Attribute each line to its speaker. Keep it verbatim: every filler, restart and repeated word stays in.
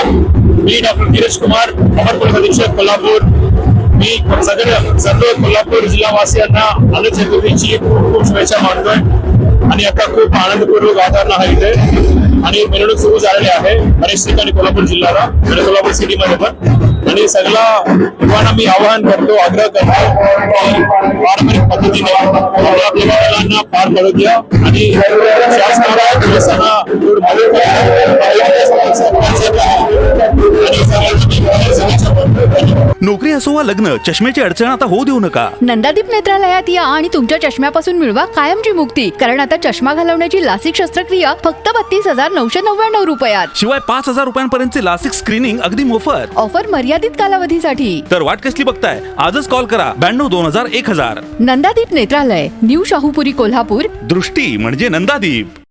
Speaker 1: मी doctor Dheeraj Kumar, अपर police अधीक्षक कोल्हापूर. मी सगळ्या सर्व कोल्हापूर जिल्हावासियांना अनंत चतुर्थीची खूप खूप शुभेच्छा मानतोय. आणि आता खूप आनंदपूर्वक वातावरण आहे इथे आणि मिरवणूक सुरू झालेली आहे बरेच ठिकाणी कोल्हापूर जिल्ह्याला आणि कोल्हापूर सिटीमध्ये पण. आणि सगळ्या युवांना मी आवाहन करतो, आग्रह करतो की पारंपरिक पद्धतीने आपल्या मुलांना पार पडू द्या आणि शासनाला पोलिसांना दूर मदत
Speaker 2: नोकरी असो वा लग्न, चष्म्याची अडचण आता होऊ देऊ नका.
Speaker 3: नंदादीप नेत्रालयात या आणि तुमच्या चष्म्यापासून मिळवा कायमची मुक्ती. कारण आता चष्मा घालवण्याची लासिक शस्त्रक्रिया फक्त बत्तीस हजार नऊशे नव्याण्णव रुपयात.
Speaker 2: शिवाय पाच हजार रुपयांपर्यंतचे लासिक स्क्रीनिंग अगदी मोफत.
Speaker 3: ऑफर मर्यादित कालावधीसाठी.
Speaker 2: तर वाट कसली बघताय, आजच कॉल करा ब्याण्णव दोन हजार एक हजार.
Speaker 3: नंदादीप नेत्रालय, न्यू शाहूपुरी, कोल्हापूर.
Speaker 2: दृष्टी म्हणजे नंदादीप.